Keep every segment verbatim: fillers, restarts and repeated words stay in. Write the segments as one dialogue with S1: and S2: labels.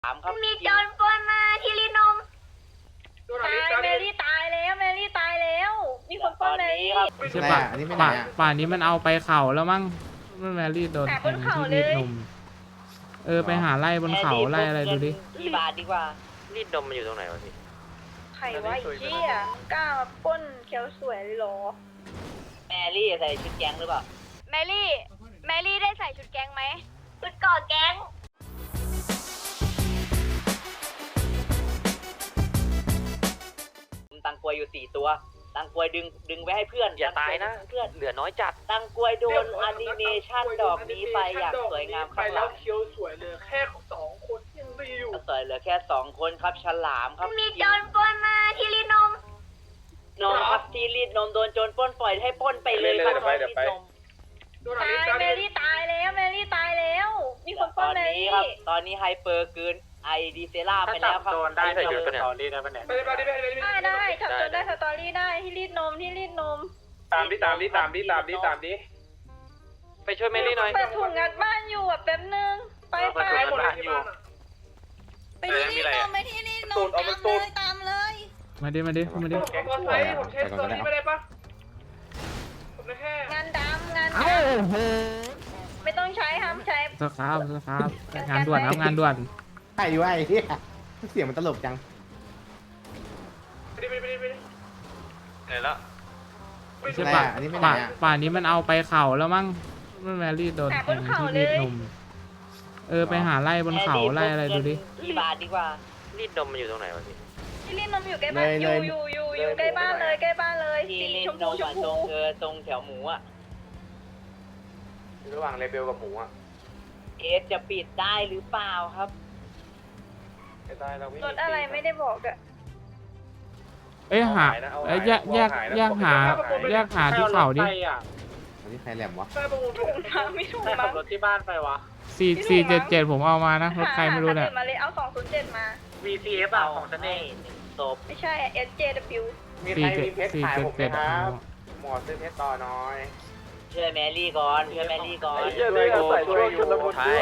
S1: ถามครับ
S2: มีโจรปล้นมาที่รีนมตายแมรี่ตายแล้วแมรี่ตายแล้วมีคนปล้นแมรี่
S3: ไม่ใช่ป่ะอันนี้ไม่ไหนอ่ะป่านนี้มันเอาไปเข่าแล้วมั้งแมรี่โดนแทงที่รีดนมเออไปหาไล่บนเขาไล่อะไรดูดิ
S1: กี่บาทดีกว่า
S4: รีดนมมันอยู่ตรงไหนวะพี่
S2: ใครวะไอ้เหี้ยมึงกล้ามาปล้นเขียวสวยเลยเหรอ
S1: แมรี่ใส่ชุดแก๊งหรือเปล่า
S2: แมรี่แมรี่ได้ใส่ชุดแก๊งไหมชุดก่อแก๊ง
S1: ตังกวยอยู่สี่ตัวตังกวยดึงดึงไว้ให้เพื่อน
S4: อย่าตายนะ
S1: เพื่อน
S4: เหลือน้อยจัด
S1: ตังกวยโดนแอนิเมชันดอกนี้ไปอย่างสวยงาม
S5: ไป
S1: ข้างห
S5: แล้
S1: ลั
S5: ว
S1: ง
S5: เคี้ยวสวยเลยแค่สองคนยังดีอยู่
S1: สวยเหลือแค่สองคนครับฉลามครับ
S2: มีโจรปล้นมาที่รีนม
S1: นมครับที่รีดนมโดนโจรปล้นปล่อยให้ปล้นไปเลยครับน้องรีดนม
S5: โดน
S2: ตา
S5: อะไร
S2: ย
S5: กัน
S2: แมรี่ตายแล้วแมรี่ตายแล้วมีคนป
S1: ต
S2: ล้
S1: อน น
S2: แม
S1: นี้
S2: รี่
S1: ครับตอนนี้ไฮเปอร์เกินไอดีเซล่าไปแล้วครับ
S4: ได้ใส่ชุดกันเนี่ย
S5: ไปเลยไปเลยไปเลย
S2: ได้ได้จับโจรได้สตอรี่ได้ที่รีดนมที่รีดนม
S5: ตามดิตามดิตามดิตามดิตามดิ
S4: ไปช่วยเมลี่หน่อย
S2: เปิดถุงงัดบ้านอยู่อ่ะแป๊บนึงไปไป
S5: ไปหมดเลยที่บ้าน
S2: ไปที่รีดนมไปที่รีดนมตามเลยตามเลย
S3: มาดิมาดิมาดิ
S5: ผมก็ใช้ผมใช้ตัวนี้ไม่ได้ปะผมได้แค่
S2: งานดำงานดำไม่ต้องใช้ห้ามใช้
S3: สครับสครับงานด่วนครับงานด่วน
S6: ใช่วะไอ้เหี้ยเสียงมันตลกจัง
S5: ไปดิไปดิไปดิไปดิ
S4: เหนื่อยแล้ว
S3: ไม่ใช่ป่ะ
S6: อันนี้ไม่ไหน
S3: ป่า
S6: อ่ะ
S3: ป่านนี้มันเอาไปเข่าแล้วมั้งแมรี่โดนแทงที่รีดนมเออไปหาไล่บนเขาไล่อะไรดูดิ
S1: กี่บาทดีกว่า
S4: รีดนมมันอยู่ตรงไหนวะพี่
S2: ที่รีดนมอยู่ใกล้บ้านอยู่อยู่อยู่อยู่ใกล้บ้านเลยใกล้บ้านเลย
S1: ที่
S2: สี
S1: รี
S2: ช
S1: ด
S2: ม
S1: น
S2: พู
S1: ม
S2: ช
S1: อะ
S2: ม
S1: ตร
S2: พู
S1: งเออตรงแถวหมูอ่ะ
S4: ระหว่างเลเบลกับหมูอ่ะ
S1: เอสจะปิดได้หรือเปล่าครับ
S4: ได้เราไม่
S2: รถอะไรไม่ได้บอกอะ
S3: เอ้ยหาเอ้ยแยกแยกแยกหาแยกหาที่เขาดิ
S6: อันนี้ใครแหลมวะ
S5: ใช่ประมูล
S2: ถูกมาไม่ถูกมา
S5: ขับรถที่บ้านไปวะ
S3: สี่สี่เจ็ดเจ็ดผมเอามานะรถใครไม่รู้เนี่ย
S2: หามาเลยเอาสองศูนย์เจ็ดมา
S5: วี ซี เอฟ อ่ะของฉันเอง
S1: หนึ่งศพ
S2: ไม่ใช่ เอส เจ ดับเบิลยู
S6: มีใค
S3: สี่
S6: ร
S3: เจ็ด
S6: มีเพชร
S3: สี่
S6: ขาย
S3: เจ็ด
S6: ผมไหม
S3: เจ็ด
S6: ครับหมอซื้อเพชรต่อน้อย
S1: ช่วยแมรี่ก่อนช่วยแมรี่ก่อน
S4: ช่วยโอ้ช่วยอยู่ใช่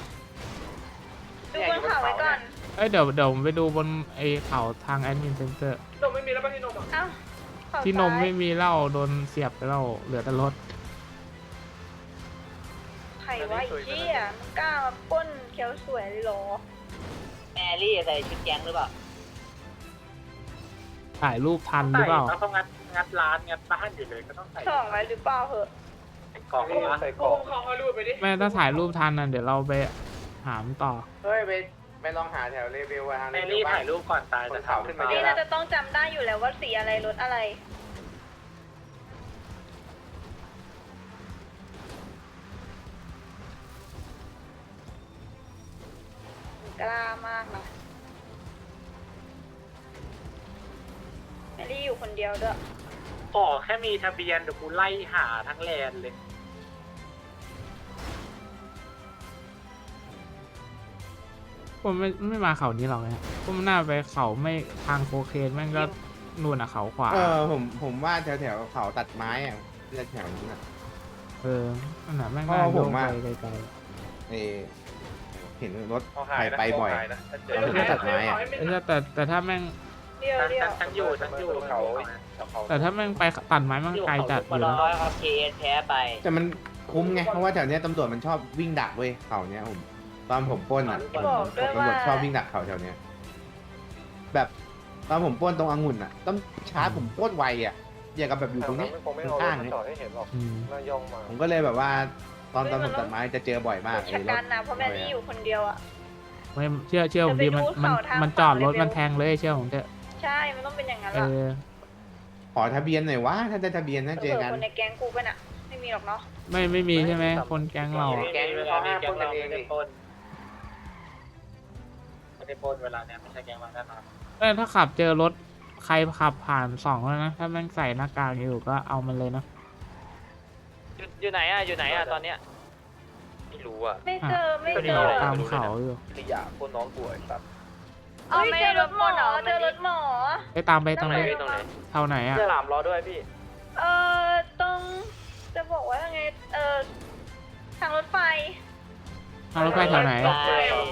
S2: ดูบนเขาไว้ก่อน
S3: เอ้ยเดี๋ยวเดี๋ยวผมไปดูบนไอ้เขาทางแอดมินเซ็นเตอร์
S5: นมไม่มีแล้วป่ะที่นมอ่ะ
S2: เอ้าเขา
S3: ที่นม
S2: ซ้าย
S3: ไม่มีเหล้าโดนเสียบไปแล้วเหลือแต่รถ
S2: ใครวะไอ้เหี้ยมึงกล้ามาปล้นเขียวสวยเลยเหรอ
S1: แมรี่ใส่ชุดแก๊งหรือเปล่า
S3: ถ่ายรูปทันหรือเปล่า
S5: ต้องงัดงัดร้านงัดบ้านอยู่เลยก็ต้องใส่
S2: ส่องไว้หรือเปล่าเหอะ
S5: กล่องใส่กล่องเขาเอารูปไปดิ
S3: แม่ถ้าถ่ายรูปทันน่ะเดี๋ยวเราไปหามต่อ
S6: เฮ้ยไปไปลองหาแถวเลเวลทาง
S5: แมรี่ถ่ายรูปก่อนตายจะถามขึ้นมาเย
S2: นี่
S5: อะ
S2: น่าจะต้องจำได้อยู่แล้วว่าสีอะไรรถอะไรกล้ามากนะแมรี่อยู่คนเดียวด้วย
S5: ขอแค่มีทะเบียนเดี๋ยวกูไล่หาทั้งแลนเลย
S3: ผมไม่ไม่มาเขานี้หรอกนะผมน่าไปเขาไม่ทางโคเคนแม่งก็นู่นอ่ะเขาขวา
S6: เออผมผมว่าแถวแถวเขาตัดไม้อ่ะแถวนี้อ่ะ
S3: เออนั่นน่ะแม่ง
S6: อ๋
S3: น่า
S6: อ
S3: โย
S6: ผ
S3: ง
S6: ม
S3: ไป
S6: ว่า
S3: ไกล
S6: เออเห็นรถใครไปบ่อย
S5: เดี๋ยว
S6: ตัดไม้อะ
S3: ๆเออแต่แต่ถ้าแม่ง
S2: เดียวเดียว
S5: ฉันอยู่ฉันอยู่เขา
S3: แต่ถ้าแม่งไปตัดไม้มันไกลจัดอยู่
S1: ร้
S3: นะ
S1: อยครับเคเอสแพ้ไป
S6: แต่มันคุ้มไงเพราะว่าแถวเนี้ยตำรวจมันชอบวิ่งดักเว้ยเขาเนี้ยผมตอนผมปล้นอ่ะ
S2: บอกด้วย
S6: ตำรวจ
S2: ว่า
S6: ชอบวิ่งดักเขาแถวเนี้ยแบบตอนผมปล้นตรงองุ่นอ่ะต้องชาร์จผมปล้นไวอ่ะอย่างกับแบบอยู่ตรงนี้ข้างๆนี่
S3: อืม
S6: ผมก็เลยแบบว่าตอนตอนผมตัดไม้จะเจอบ่อยมาก
S2: ชะกันนะเพราะแมรี่อยู่คนเดียวอ่ะ
S3: ไม่เชื่อเชื่อผมดิมันมันมันจอดรถมันแทงเลยเชื่อผมเถอะ
S2: ใช่ มันต้องเป็นอย่างนั้น
S3: เอ
S2: ล่ะ
S3: อ
S6: ขอทะเบียนหน่อยวะถ้าได้ทะเบียนน่าเจอกัน
S2: คนในแก๊งกูป่ะน่ะ ไม่มีหรอกเนาะ
S3: ไม่ไม่มีใช่ไหมคนแก๊งเราอะ
S5: แก๊งเขาห้ามปนกันเองดิปนไม่ได้ปนเวลาเนี้ยไม่ใช่แก๊งมันแน่นอน
S3: เออถ้าขับเจอรถใครขับผ่านสองแล้วนะถ้าแม่งใส่หน้ากากอยู่ก็เอามันเลยนะ
S4: อยู่ไหนอ่ะอยู่ไหนอ่ะตอนเนี้ยไม่รู้อ่ะ
S2: ไม่เจอ ไม่เจ
S3: หา
S2: อ
S3: ตามเขาอยู่
S4: ขยะคนน้องป่วยครับ
S2: เอ้ยเจอรถหมอเจอรถหมอ
S3: ไปตามไปตรงไหน
S4: ตรงไหน
S3: เท่าไหนอ่ะ
S4: เสื้อหลามรอด้วยพี่
S2: เออตรง จะบอกว่ายังไง เออทางรถไฟ
S3: ทางรถไฟแถวไหน
S1: ไป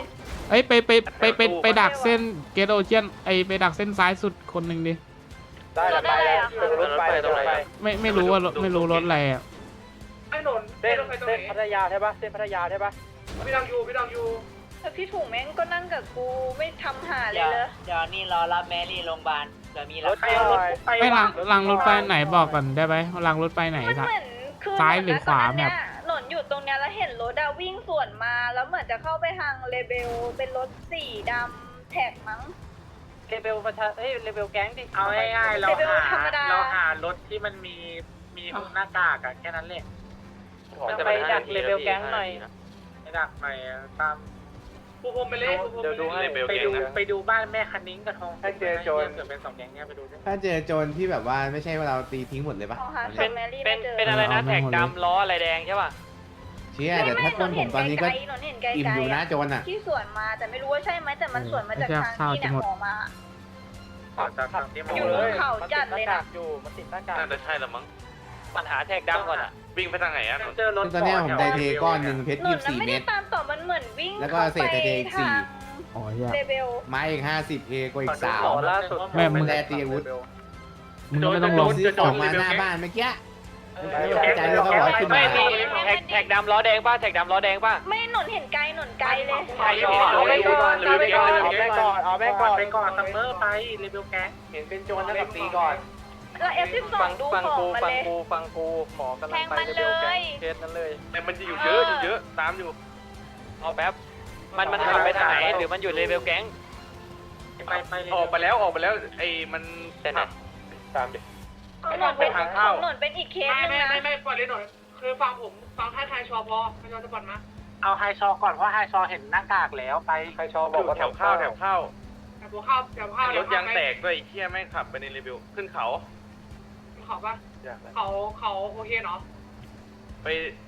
S3: เอ้ยไปไปไปไปไปดักเส้นเกตโอเชียนไอไปดักเส้นซ้ายสุดคนหนึ่งดิ
S2: ได้แล้วไปแล้ว
S4: รถไฟตรงไหน
S3: ไม่ไม่รู้ว่ารถไม่รู้รถอะไรอ่ะ
S5: ไอ้หนน
S4: เส้นเส้นพัทยาใช่ปะเส้นพัทยาใช่ปะ
S5: พี่ดังอยู่พี่ดังอยู่
S2: แต่พี่ถุงแม่งก็นั่งกับกูไม่ทำหาเล
S1: เดี๋
S2: ย
S1: ยว
S2: เลย
S1: เดี๋ยวนี่รอรับแมรี่โรงพยาบาลเดี๋ยวมี
S4: ร
S1: รับ
S4: ถไฟรถไฟ
S3: ไม่รางรางรถไฟไหนบอกก่อนได้ไหมรางรถไฟไหน
S2: มัน
S3: ครับ
S2: เหมือนคือ
S3: ซ้ายหรือขวา
S2: ตนนั้น
S3: แบบ
S2: เนี่ยหนนอยู่ตรงเนี้ยแล้วเห็นรถอะวิ่งสวนมาแล้วเหมือนจะเข้าไปทางเลเบลเป็นรถสีดำแท็กมั้ง
S4: เลเวลประชาเอ้ยเลเวลแก๊งดิ
S7: เอาง่ายๆเรา
S2: เลเวล
S7: หา
S2: ธรรมดา
S7: เราหารถที่มันมีมีหน้ากากอะแค่นั้นแหละ
S4: จะไปดักเลเวลแก๊งหน่อย
S7: ไม่ดักไปตาม
S5: ปูพรมไปเลยปูพรม
S4: เดี๋ยวดูให้
S7: ไปดูไปดูบ้านแม่คันนิ้งกับทองถ้าเจอโจรเกิดเป็นสองแก๊งเนี้ยไปดูด้วย
S6: ถ้าเจอโจรที่แบบว่าไม่ใช่ว่าเราตีทิ้งหมดเลยปะ
S2: เอาหา
S4: เป็น
S2: แมรี่
S4: เป็
S2: ไม่
S4: น
S2: เจอ
S4: เป็นอะไรนะ
S3: เอาไม่
S4: แท็ก
S3: หมดเลย
S4: ดำล้ออะไรแดงใช่ป่ะ
S6: เชี่ยเดี๋ยวถ้าปล้นผมตอนนี้ก็
S2: หนเห็นไกลๆ
S6: อิ่มอยู่นะโจรอ่ะ
S2: ที่สวนมาแต่ไม่รู้ว่าใช่ไหมแต่มันสวนมาจากทางที่เนี่ยหมอมา
S7: ขอจากทางที่ม
S2: อยู่บนเขาจัดเลยนะ
S4: อยู่มันติดหน้ากาก
S8: น่าจะใช่ละมั้ง
S4: ปัญหาแท็กดำก่อนอ่ะ
S8: วิ่งไปทางไหนอ่ะ
S7: เจอรถ
S6: ตอนเนี้ยผมไดเทก้อนหนึ่งเพชร
S2: หน
S6: ยี่
S2: น
S6: สิบ
S2: นั้น
S6: สี่
S2: ไม่
S6: เม
S2: ได้
S6: ตร
S2: ตามต่อมันเหมือนวิ่ง
S6: แล้วก็เศษไทเทอีกสี่
S3: อ๋อเหี้ย
S2: เลเบล
S6: ไม้อีกห้าสิบเอกว่าอีกสาม
S4: ล่าสุด
S3: แม่มึง
S6: แลตีอาวุธ
S3: มึงก็ไม่ต้องลง
S6: ซื้อของมาหน้าบ้านเมื่อกี้ไม่ใจเลยก็บอกขึ้น
S4: ไม่
S6: มา
S4: มีแท็กแท็กดำล้อแดงป่ะแท็กดำล้อแดงป่ะ
S2: ไม่หนนเห็นไกลหนนไกลเลย
S4: ใช่เอาไปก่อนเอาไปก่อนเอาไปก่อนเอาไปก่อน
S7: ไปก่อนซัมเมอร์ไปรีวิวแก๊ง
S4: เห็นเป็นโจรแล้วกับตีก่อน
S2: แล้วเอฟสิบสอ
S4: ฟั
S2: ง
S4: ง
S2: ดู
S4: ฟัง
S2: ขอ
S4: กู
S2: งมา
S4: ฟั
S2: เล
S4: ง
S2: ย
S4: กูฟังกูหมอกำลังไป
S2: แทงมัน
S4: เร็วๆ
S2: เลย
S4: เคสนั้นเลย
S8: แต่มันจะอยู่เยอะอยู่เยอะตามอยู่
S4: เอาแป๊บมันมันขับไปทางไหนหรือมันอยู่เลเวลแก๊ง
S7: ไปไป
S8: ออกไปแล้วออกไปแล้วไอ้มัน
S4: แต่ไหน
S8: ตามดิ
S2: ของหนนเป็นของหนนเป็นอีกเคส
S5: ไม่
S2: นึง
S5: ไม่
S2: นะ
S5: ไม่ไม่ปล่อยเลยหน่อยคือฟังผมฟังท่าทายชอพอทายชอจะปล่อยมา
S7: เอาไฮชอก่อนเพราะไฮชอเห็นหน้ากากแล้วไป
S4: ใครชอบบอกว่า
S8: แถวข้าวแถวข้าว
S5: แต่หัวข้าวแต่ข้าว
S8: รถยางแตกด้วยไอ้เหี้ยแม่งขับไปในรีวิวขึ้นเขา
S5: เขาปะเขาเขาโอเคเนาะ
S8: ไปไป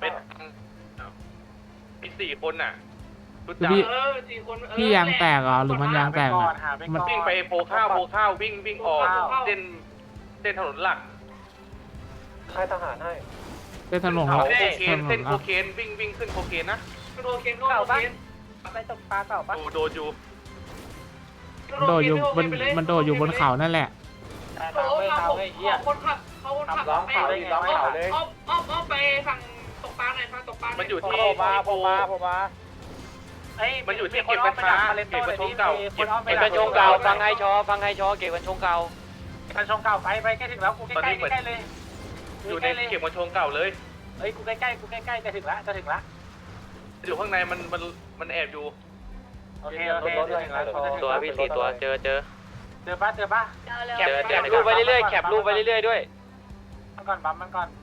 S8: มีสี่คนน่ะรู้
S3: คือ
S8: จัก
S3: พี่
S5: เออสี่คน
S3: พี่ยางแตกเหรอหรือมันยางแตก
S7: ก่อ
S3: อ่ะ
S7: นหาไป
S3: มัน
S7: ก่อน
S8: วิ่งไปโพข้าวโพข้าววิ่งวิ่งออกเส้นเส้นถนนหลัก
S4: ค่ายทหารให้
S3: เส้นถนน
S8: เขา
S3: เขา
S8: โคเคน
S3: ถน
S8: เส้
S3: น
S8: นโค
S3: อ่ะ
S8: เคนวิ่งวิ่งขึ้นโคเคนนะ
S5: โดนเคนโดนเคน
S4: ไปตกปลาเก่าปะ
S8: ดูโดนอยู่
S3: โดดอยู่บนมันโดดอยู่บนเขานั่นแหละ
S5: โอ้ครับผมคนขับเขาคนขับไปอ้อมอ้อมอ้อมไปฝั่งตกปลาหน่อยฝั่งตกปลา
S8: มันอยู่ที่
S4: ผมมาผมมาผมมา
S7: เอ้ย
S8: มันอยู่ที่เก็บกัญชาเก็บกัญชงเก่า
S4: เก็บกัญชงเก่าฟังไฮชอฟังไฮชอเก็บกัญชงเก่า
S7: กัญชงเก่าไปไปใกล้ถึงแล้วกูใกล้ใกล้ใกล้เลย
S8: อยู่ในเก็บกัญชงเก่าเลย
S7: เอ้ยกูใกล้ใกล้กูใกล้ใกล้จะถึงแล้วจะถึงแล้ว
S8: อยู่ข้างในมันมันมันแอบอยู่
S7: โอเคโอเคจะถึงแล้ว
S4: ตัวพี่สี่ตัวเจอเจอ
S7: เจอปะเจอปะ
S4: แคปแคปรูปไปเรื่อยๆแคปรูปไปเรื่อยๆด้วย
S7: มันก่อนบัมมันก่อน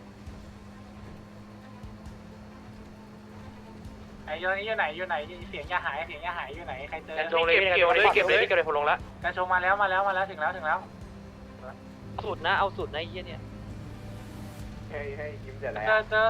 S7: ไอ้ยอยู่ไหนอยู่ไหนเสียงยาหายเสียงยาหายอยู่ไหนใครเจอ
S4: กัญชงเลยเก็บเลยเก็บเลยเก็บเลยผมลงแล้ว
S7: กัญชงมาแล้วมาแล้วมาแล้วถึงแล้วถึงแล้ว
S4: สุดนะเอาสุดนะไอ้เหี้ยเนี่ย
S7: เจอเจอ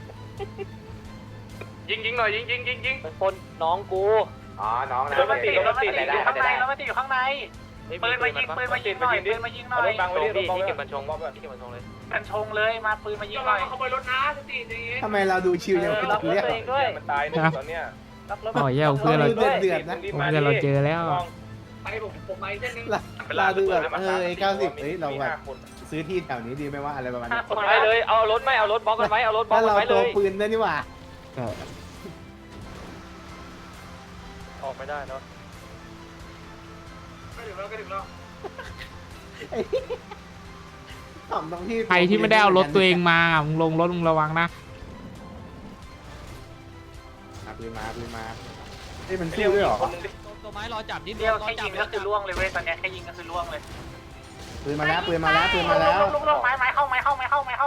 S8: ยิงยิงหน่อยยิงยิงยิงยิง
S4: มันปนน้องกู
S6: อ๋อน้องนะ
S7: รถมันติดรถมันติดอยู่ข้างในรถมันติดอยู่ข้างในปืนมายิงปืนมายิงหน่อยปืนมายิงหน่อย
S4: บังไว้ดิที่เก็บกัญชงที่เก็บกัญชงเลย
S7: กัญชงเลยมาปืนมายิงหน่อย
S5: ขโมยรถนะสติใจเย็น
S6: ทำไมเราดูชิวยังไม่ถึงเรียก
S4: ด้วย
S8: มันตายหนึ่งตอนเนี้ย
S3: อ๋อเหี้ยเพื่อนเรา
S6: เดือดเดือดนะ
S3: เพื่อนเราเจอแล้ว
S5: ไปผมผมไปเส้นนึง
S6: เราดูแบบเออเก้าสิบเอ้ยเราแบบซื้อที่แถวนี้ดีไหมว่าอะไรประมาณนี้
S4: ไปเลยเอารถไม่เอารถบล็อกกันไว้เอารถบล็อก
S6: ถ้า
S4: กัน
S6: เรา
S4: ไว้เล
S6: ตัวย ปืนได้นี่หว่า
S3: แต่
S4: ออกไม่ได้เนาะ
S5: ก็ถึงแล้วก็ถึงแล้ว
S6: ทำตรงที่
S3: ใครที่ไม่ได้เอารถตัวเองมามึงลงรถมึงระวังนะ
S6: ปืนมาปืนมาเอ้ยมันสู้ด้วยหรอ
S9: ตัวไม้รอจับนิด
S7: เดียวแค่ยิงก็คือล่วงเลยเว้ยตอนนี้แค่ยิงก็คือล่วงเลย
S6: ปืนมาแล้วปืนมาแล้วปืนมาแล้ว
S7: ลงลงไม้ไม้เข้าไม้เข้าไม้เข้าไม้เข้า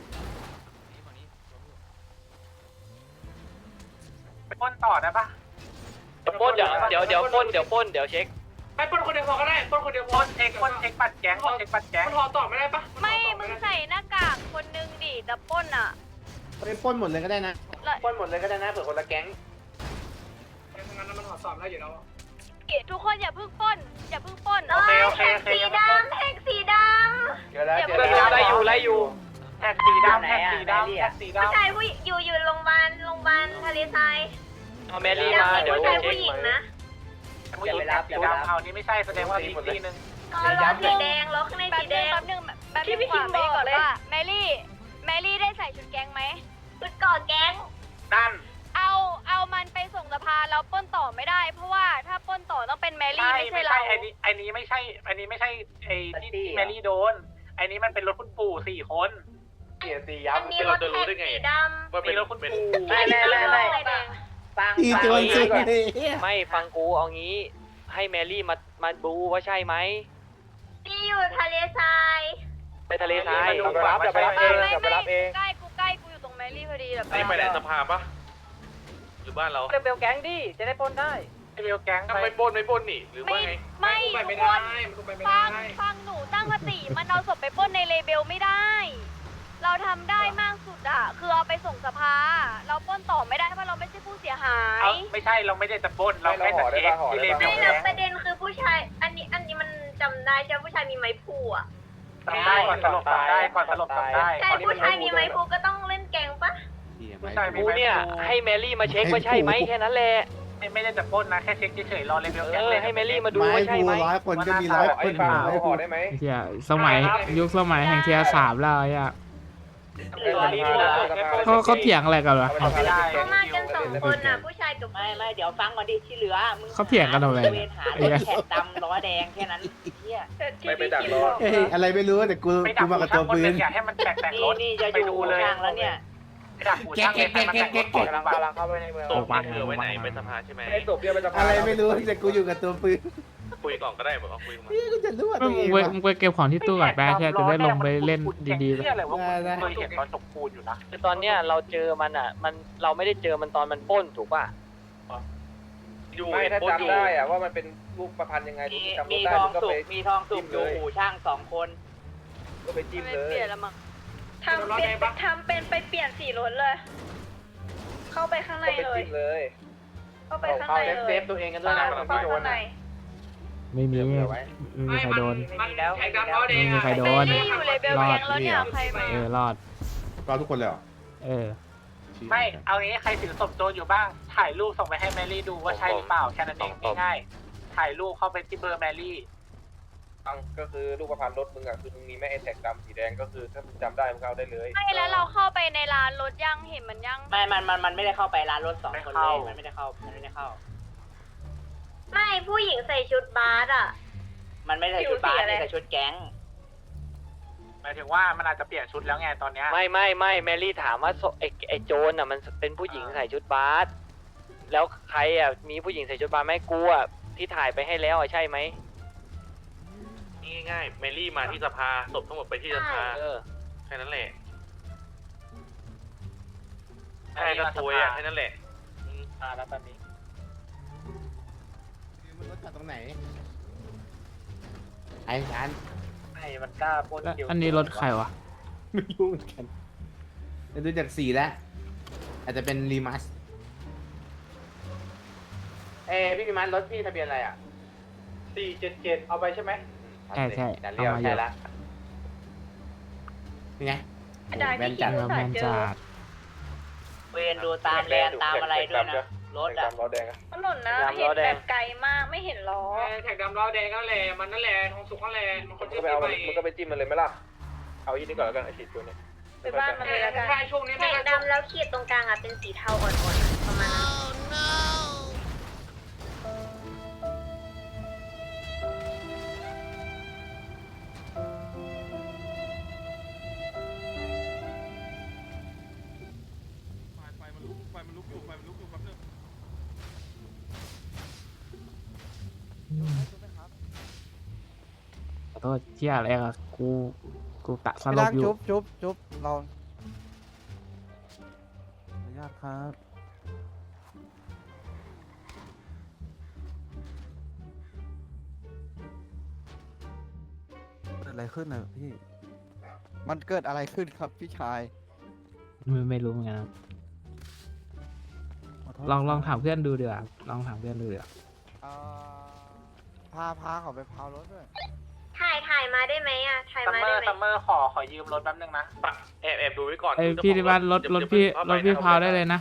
S7: ไปป้นต่อได้ปะ
S4: เดี๋ยวป้นเดี๋ยวเดี๋ยวเดี๋ยวป้นเดี๋ยวป้นเดี๋ยวเช็ค
S5: ไปปนคนเดียวพอก็ได้ปนคนเดียวพอ
S7: ป้นเช็คป้นเช็คปัดแก๊งป้นเช็คปัดแก๊ง
S5: มันห่อต่อไม่ได้ปะ
S2: ไม่มึงใส่หน้ากากคนนึงดิแต่ป้นอ่ะ
S6: ไปปล้นหมดเลยก็ได้นะ
S4: ป้นหมดเลยก็ได้นะเผื่อคนละแก๊ง
S5: งั้นมันห่อต่อได้อยู่แล้ว
S2: ทุกคนอย่าเพิ่งป้นอย่าเพิ่งป้น
S7: โอเคโอเคโอเค
S2: สีดำแท็กสีดำ
S4: เดี๋ยวแล้วเดี๋ยวไล่อยู่ไล่อยู่
S7: แท็กสีดำแท็กสีดำแท็กสี
S2: ผู้
S7: ดำ
S2: ชายผู้อยู่อยู่โรงพยาบาลโรงพยาบาลทะเลทราย
S7: เ
S4: เอาแมรี่
S2: ยัง
S4: มา
S2: มี
S4: เดี๋ยว
S2: ผู้ชายผู้หญิงนะ
S7: ผู้หญิงแบบสีดำเอานี่ไม่ใช่แสดงว่าอีกทีนึง
S2: อ๋อรถสีแดงรถข้างในสีแดง
S9: แป๊บนึงแป๊บนึงพี่คิมบอกว่าแมรี่แมรี่ได้ใส่ชุดแก๊งไหม
S2: ชุดก่อแก๊ง
S7: นั่น
S9: เอาเอามันไปส่งสภาแล้วปล้นต่อไม่ได้ เพราะว่าถ้าปล้นต่อต้องเป็นแมรี่
S7: ใช่
S9: ไม่ใช่
S7: ไม่
S9: เรา
S7: ใช่ไอ้นี้ไอ้นี้ไม่ใช่ไอ้นี้ไม่ใช่ไอ้ที่ที่แมรี่โดนไอ้นี้มันเป็นรถคุณปู่สี่คน
S8: เกียร์ตี
S2: อั
S8: ยับ
S2: นนี้รถแท็กสีดำ
S8: ว่าเป็น
S7: มีรถคุณ
S8: เป็น
S7: ปู่
S1: ไม่ไม่ไม่ไม่ฟัง
S6: ตีโจรสุดเลย
S4: ไม่ฟังกูเอางี้ให้แมรี่มามาดูว่าใช่ไหม
S2: ที่อยู่ทะเลทราย
S4: ไปทะเลทราย
S7: เดี๋ยวไปรับเดี๋ยวไปรับเอง
S9: ไม่
S7: เดี๋ยวไป
S9: ไม่
S7: รับเอง
S9: ใกล้กูใกล้กูอยู่ตรงแมรี่พอดีแบบ
S8: นี่ไปไหนสภาปะหรือบ้านเรา
S4: เบลแก๊งดิจะได้ปล้นได้
S7: ไอ้เบลแก๊ง
S8: ทำไมปล้นไม่ปล้นนี่หรือว่า
S9: ไม่
S8: ไง
S9: ไม่
S5: ไป
S9: ทุ
S5: ไม่
S9: ก
S5: ได้
S9: คน
S5: มันไปไม่
S9: ฟั
S5: ได้
S9: งฟังหนูตั้งสติมันเอาศพไปปล้นในเลเบลไม่ได้ เราทำได้มากสุดอะคือเอาไปส่งสภา เราปล้นต่อไม่ได้เพราะเราไม่ใช่ผู้เสียหาย
S7: เอาไม่ใช่เราไม่ได้จะปล้นเราแค่จะเช็คที่เลเว
S2: ไม่
S7: ล
S2: แล้วประเด็นคือผู้ชาย อันนี้อันนี้มันจำได้ใช่ไหมผู้ชายมีไม้พูอ่ะ
S7: จำได้ก่อนสลบจำได้ก่อนสลบจำได้
S2: ใช่ผู้ชายมีไม้พูก็ต้องเล่นแกงปะ
S7: ผู้ชายมี
S4: กู
S7: ไม้
S4: เนี่ยให้แมรี่มาเช็คว่าใช่ไหมแค่นั้นแหละ
S7: ไม่ได้จะปล้นนะแค่เช็คเฉยๆรอเลเวล
S4: เอ
S7: แก๊ง
S4: อ
S7: เลย
S4: ให้แมรี่มาดู
S6: ไม้
S4: ว่าใช่
S6: ภู
S4: ไหม
S6: ร้อยคนก็มีร้อยคนอยู่ไม้ภู
S3: เฮียสมัยยุคสมัยแห่งเทียร์สามแล้วไอ้อะเขาเขาเถียงอะไรกันวะ
S7: ไม่ได้
S2: เขามากันสองคนอ่ะ ผู้ชายกับ
S1: ไม่ไม่เดี๋ยวฟังก่อนดิที่เหลือมึง
S3: เขาเถียงกันทำไม
S1: เวรหารถแขกดำล้อแดงแค่นั้นเฮีย
S8: ไม่ไปดักรอ
S6: เอ้ยอะไรไม่รู้แต่กู
S7: ไม่ดั
S6: กู
S7: ก
S6: มา
S7: หู
S6: กับ
S7: ช่า
S6: ตั
S7: ง
S6: ว
S7: คน
S6: ปื
S7: หนึ
S6: น
S7: งอยากให้มันแต่งแต่งรถ
S1: นี่จะ
S7: ไป
S1: อยู่
S7: ดูเลย
S1: ข้างแล้วเนี่ย
S7: ดักหูช่างเลยให้มันแต่งรถก่อนกำลังกำลังเข้าไปในเมือง
S8: ตกมันคือไว้ไหนไปสภาใช่ไหม
S7: ไอ้ศพเดียวไปจะ
S6: อะไรไม่รู้แต่กูอยู่กับตัวปืน
S8: คุยก่อนก็ได้บอกเอาคุยมา
S6: นี่กูจะรู้ว่า
S3: มึ
S6: ตัว
S3: ง
S6: เอง
S3: ไป
S6: วะ
S3: มึงไปเก็บของที่ตู้ก่อนไปแค่จะได้ลงไปเล่นดีๆ
S7: ๆเลยว่าเคยเห็นตอนจกปูนอยู่นะ
S4: คือตอนเนี้ยเราเจอมันอ่ะ มันเราไม่ได้เจอมันตอนมันปล้นถูกป่ะ
S8: อยู่
S7: ไม่ถ้า
S8: ปล้นอ
S7: จำ
S8: ยู่
S7: ได้อะว่ามันเป็นรูปประพันธ์ยังไง
S1: มี
S7: จำ
S1: มี
S7: ได้
S1: ทอง
S7: ก็
S1: สุ
S7: ไป
S1: กมีทองสุกอยู่อู่ช่างสองคน
S7: ก็ไปจิ้ม
S9: ไม่
S7: เล
S9: เปลี่ย
S7: ย
S9: นแล้วมั้ง
S2: ทำเป็นทำเป็นไปเปลี่ยนสีรถเลย เข้าไปข้างใน
S7: ก็ไป
S2: เลย
S7: จิ้มเลย
S2: เข้าไปข้างในเลย
S7: เซฟตัวเองกันด้วยนะ
S2: เข้าข้างใน
S3: ไม่มีไม่มีใครโดน
S5: มันแท็กดำล้อแดง
S3: ไม่มีใครโดน
S9: แมรี่อยู่เลเบลแก๊งแล้วเนี่ยใครมา
S3: เออรอด
S6: ก็ทุกคนเลยเหรอ
S3: เออ
S7: ไม่เอางี้ใครถือศพโจรอยู่บ้าง ถ่ายรูปส่งไปให้แมรี่ดูว่าใช่หรือเปล่าแค่นั้นเองง่ายๆถ่ายรูปเข้าไปที่เบอร์แมรี่
S10: ก็คือลูกประพันธ์รถมึงอ่ะคือมึงมีแม่ไอแท็กดำสีแดงก็คือถ้ามึงจำได้มึงเอาได้เลย
S9: ไม่แล้วเราเข้าไปในร้านรถยังเห็นมันยัง
S1: ไม่มันมันมันไม่ได้เข้าไปร้านรถสองคนเลยมันไม่ได้เข้ามันไม่ได้เข้า
S2: ไม่ผู้หญิงใส่ชุดบาสอ่ะ
S1: มันไม่ใส่ชุดบาสใส่ชุดแก๊ง
S7: หมายถึงว่ามันอาจจะเปลี่ยนชุดแล้วไงตอนเนี้ย
S4: ไม่ไม่ไม่แมรี่ถามว่าโซไอไอโจนอ่ะมันเป็นผู้หญิงใส่ชุดบาสแล้วใครอ่ะมีผู้หญิงใส่ชุดบาสไหมกูอ่ะที่ถ่ายไปให้แล้วอ่ะใช่ไหม
S8: ง่ายๆเมลี่มาที่สภาศพทั้งหมดไปที่สภา
S4: เออ
S8: แค่นั้นแหละใช่ก็ตัวยอ่ะแค่นั้นแหละ
S7: อ่าแล้วตอนนี้
S6: มันรถจอดตรงไหนไอ้ร้าน
S7: ไอ้มันกล้าปล้น
S3: แล้ว
S7: คิว
S3: อันนี้รถใครวะ
S6: ไม่รู้เหมือนกันแต่ดูจากสีแล้วอาจจะเป็นรีมัสเอ้พี่รีมัสรถพี่ทะเบียนอะไรอ่ะ
S7: สี่เจ็ดเจ็ดเอาไปใช่ไหม
S3: ใช่ใช่
S6: ดัน
S3: เอา
S6: เลี้ยว
S3: มาอ
S6: ใช่
S3: ยู่
S6: ละนี่ไง
S2: ได้
S6: แบ
S2: พี่
S6: น
S2: คิ
S6: จั
S2: ด
S6: ด
S3: เออแมนจัด
S1: เวรดูตามแลนตามอะไรด้วยนะรถ
S10: แท็ก
S1: อ่ะ
S10: ดำล้อแดงอะ
S2: ถนนนะเห็นแบบไกลมากไม่เห็นล้อ
S5: แท็กดำล้อแดงนั่นแหละมันนั่นแหละทองสุกนั่นแหละมันค
S10: มึ
S5: น
S10: ง
S5: ที่
S10: ก็ไปเอา
S5: ไป
S10: มึงก็ไปจิ้มมันเลยไหมล่ะเอาอีกนิดก่อนแล้วกันไอฉีดตัวนี้
S2: ไปบ้านมันเลยละกัน
S5: ใช่ช่วงนี้
S2: แท็กดำแล้วขีดตรงกลางอ่ะเป็นสีเทาอ่อนๆประมาณนั้น
S3: ขอโทษเที่ยอะไรอะกูกูตะสลบอยู่
S11: จุ๊บจุ๊บจุ๊บเราอนุญาตครับเกิดอะไรขึ้นน่ะพี่ มันเกิดอะไรขึ้นครับพี่ชาย
S3: ไม่ไม่รู้เหมือนกันครับ
S11: ขโทษ
S3: ลองลอง
S11: ค
S3: ถา
S11: รับ
S3: มเพื่อนดูเดี๋ยวาลองถามเพื่อนดูเดี๋ยวา
S11: เอ่อพาพาเขาไปพาวรถด้วย
S2: ถ่ายถ่ายมาได้ไหมอ่ะ ถ่าย
S7: ซัม
S2: มา
S7: เมอ
S2: ได้
S7: ร์
S2: ไหม
S7: ซัมเมอร์ขอขอยืมรถแป๊บนึงนะ
S8: แอบแอบดูไว้ก่อน
S3: เอ้ย
S8: ดู
S3: พี่
S8: เจ้
S3: ที่
S8: ข
S3: บ้า
S8: อน
S3: รถรถ
S8: อย่า
S3: พี่
S8: อย่าร
S3: ถพี่พาวได้เลยนะ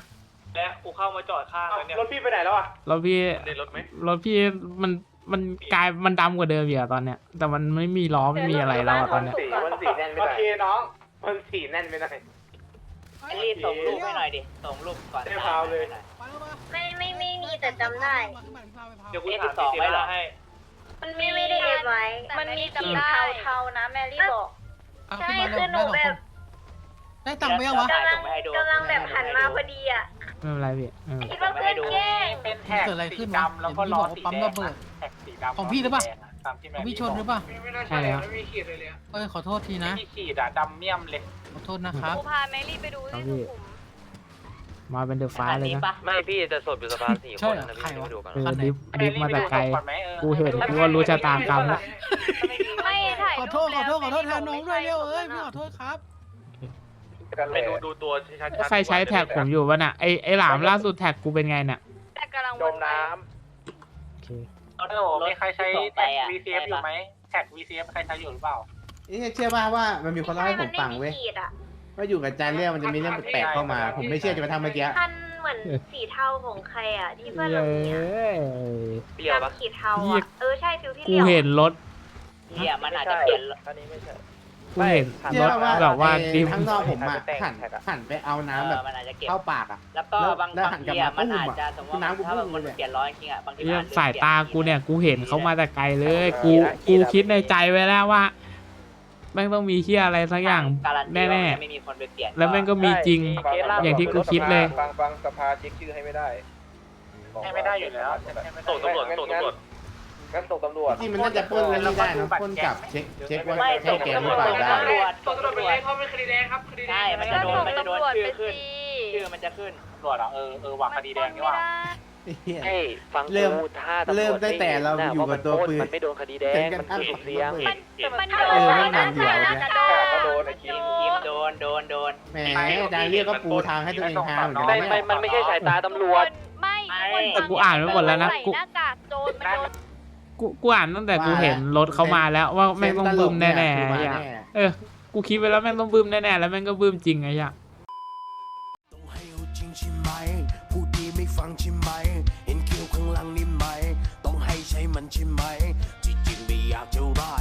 S5: และกูเข้ามาจอดข้างแล้วเนี่ย
S8: รถพี่ไปไหนแล้วอ่ะ
S3: รถพี่
S8: ได้รถไหม
S3: รถพี่มันมันกลายมันดำกว่าเดิมอีกอะตอนเนี้ย แต่มันไม่มีล้อไม่มีอะไรแล้วอะตอนเนี้ย
S10: สีมันสีแน่นไม่
S8: โอ
S10: ได้
S8: เคน้อง
S10: มันสีแน่นไม่ได้
S1: รีบส่งรูปให้หน่อยดิส่งรูปก่อน
S8: เดี๋ยวพาวเลย
S2: ไม่ไม่ไม่มีแต่จำได้
S5: เดี๋ยวกูถามพี่เจมาให้
S2: มันมีไม่ได้เอฟไว้ มันมีขีดเทาๆนะแมรี่บอก ใช่คือหนูแบบ
S11: ได้ตังค์ไปยังวะ
S2: กำลังกำลังแบบหันมาพอดีอ่ะ
S3: ไม่เป็นไรพี่เออ
S2: คิดว่าเพื่อนแกล้ง
S7: เป็นแท็ก
S11: เกิดอะไรขึ้
S7: สี
S11: นวะ
S7: ดำแล้วก็ล้อสี
S11: ปั๊ม
S7: แด
S11: ระ
S7: ง
S11: เบิด
S7: แท็กสีดำ
S11: ของพี่หรือเปล่า
S7: ตามที่แม
S11: ของ
S7: รี่
S11: พี่ชนหรือเปล่า
S5: ไม่น่าใช่เลยไม่มีขีดเลยเลย
S11: เอ้ยขอโทษทีนะ
S7: ที่ขีดอะดำเมี่ยมเลย
S11: ขอโทษนะครับ
S9: กูพาแมรี่ไปดูที่สุขุม
S3: มาเป็นเดอะฟ้าเลยนะ
S4: ไม่พี่จะสดอยู่สภาสี่
S11: ใช่
S4: คน
S11: เหรอ
S4: นะ
S11: ใคร
S4: พี่
S11: วะ
S4: ไปดูกัน
S3: เออดิฟดิฟมาแต่ไกล กูเห็นกูว่ารู้ชะตากรรมแล้ว
S9: ไม่ถ่าย
S11: ขอโทษขอโทษขอโทษแทนน้องด้วยเร็วเอ้ยพี่ขอโทษครับ
S8: ไปดูดูตัวชัดๆ
S3: ใครใช้แท็กผมอยู่วะน่ะไอไอหลามล่าสุดแท็กกูเป็นไงเนี่ย
S9: แต่กำลัง
S10: จมน้
S3: โอเค
S7: โอ้โหมีใครใช้แท็ก วี ซี เอฟ อยู่ไหมแท็ก วี ซี เอฟ ใครใช้อยู่หรือเปล่า
S6: นี่เชื่อป่ะว่ามันมีคนเล่าให้ผมฟังเว้ย
S2: ขีดอ่ะ
S6: ว่าอยู่กับจานเรื่องมันจะมีเรื่องแปลกๆเข้ามา ผมไม่เชื่อจะมาทำเมื่อกี้
S2: คันเหมือนสีเทาของใครอ่ะ ที่เพื่อน
S3: เย้
S2: เรามีอ่ะ
S4: เปรี้ยวปะ
S2: ดำขีดเทาอ่ะ เออใช่ฟิวที่
S3: กู
S2: เลี้ยว
S3: เห็นรถ
S1: เฮียมันอาจจะเปลี่ยน
S10: อันนี้ไม่ใช่
S3: กูเห็น
S6: เชื่
S3: ร
S6: อ
S3: ถ
S6: ว่า
S3: แบบว่า
S6: ไอ้
S3: ดิฟ
S6: ข้างนอกผมอ่ะ
S10: แต่ง
S6: หัน
S10: แท็กอะ
S6: หันไปเอา
S1: เอ
S6: น้ำแบบ
S1: อมันอาจจะเก็บ
S6: เข้าปากอ่ะ
S1: แล้วก็
S6: แล้ว
S1: บาง
S6: แล้ว
S1: บา
S6: หั
S1: ง
S6: นกลับ
S1: ที
S6: มา
S1: อะมัน
S6: ปุ้ม
S1: อาจ
S6: อะ
S1: จะสมมติ
S6: น้ำกู
S1: ถ้า
S6: ปุ้
S1: แบบ
S6: ม
S1: มัน
S6: เลย
S1: เปลี่ยนร้อยจริงอะบางที
S3: เรื่
S1: มั
S3: อง
S1: น
S3: สายตากูเนี่ยกูเห็นเขามาแต่ไกลเลย กูกูคิดในใจไว้แล้วว่าแม่งต้องมีเฮียอะไรสักอย่าง
S1: การันตี
S3: แน่
S1: ว่ามันไม่มีคนไปเปลี่ยน
S3: ๆ แล้วแม่งก็มีจริง
S10: ฟั
S3: อย่างที่กูคิดเลย
S10: ฟังฟังสภาเช็คชื่อให้ไม่ได้
S7: ให้ไม่ได้อยู่แล้ว
S8: ส่งตำรวจส่งตำรวจ
S10: งั้นส่งตำรวจ
S6: จริงมันน่าจะปล้นกันไม่ได้นะปล้นกลับเช็คเช็คว่า
S1: ไม่
S6: ใช่
S1: ส่ง
S6: แก
S1: ตำ
S6: ห
S1: ร
S6: รือ
S1: วจ
S6: เปล่าได้
S1: ตำรวจ
S5: ส่งตำรวจไปเลยเพราะเป็นคดีแดงครับคดีแดง
S1: ใช่มัน
S9: ก็
S1: จะโด
S9: ส่
S1: น
S9: ง
S1: มันจะโดน
S9: ตำรวจ
S1: ชื่
S9: ไป
S1: อขึ้น
S9: สิ
S1: ชื่อมันจะขึ้น
S7: ตำรวจเหรอเออเออว่าคดีแดงนี่ว่า
S6: เหี้ย
S4: เฮ้ยฟัง
S6: เริ่ม
S4: กูถ้าตำรวจ
S6: เริ่มตั้งแต่เราอยู่กับตัวปืน
S4: มันไม่โดนคดีแดง มันสุ่มเสี่ยง
S9: มันมัน
S2: ถ้า
S9: โด
S2: เรา
S9: น
S2: ใส่
S9: นะ
S2: หน้า
S9: ใส่
S2: ใส่
S9: น่า
S2: น่า
S9: จะ
S2: จะ
S9: โด
S2: โด
S9: น
S2: น
S10: ก็โดนไอ้คิม
S1: ทีมโดนโดนโดน
S6: แหมดาเรียก็ปูทางให้ตัวเองทางเหมือนกัน
S4: ไม่
S6: นะ
S4: ไม่
S6: เนี่ย
S4: มันไม่ใช่สายตาตำรวจ
S9: ไม่
S3: แต่กูอ่านไว้หมดแล้วนะ
S9: ใส่
S3: กู
S9: หน้ากากโจรมันโดน
S3: กูกูอ่านตั้งแต่กูเห็นรถเขามาแล้วว่าแม่งต้องบึ้มแน่ๆ
S6: คือมา
S3: ไอ้เหี้ย
S6: แน่
S3: เออ กูคิดไปแล้วแม่งต้องบึ้มแน่ๆ แล้วแม่งก็บึ้มจริงไอ้เหี้ย
S12: ต้องให้เอาจริงใช่ไหมพูดดีไม่ฟังใช่ไหมเห็นคิ้วข้างหลังนี่ไหมต้องให้ใช้มันใช่ไหมที่จริงไม่อยากจะร้าย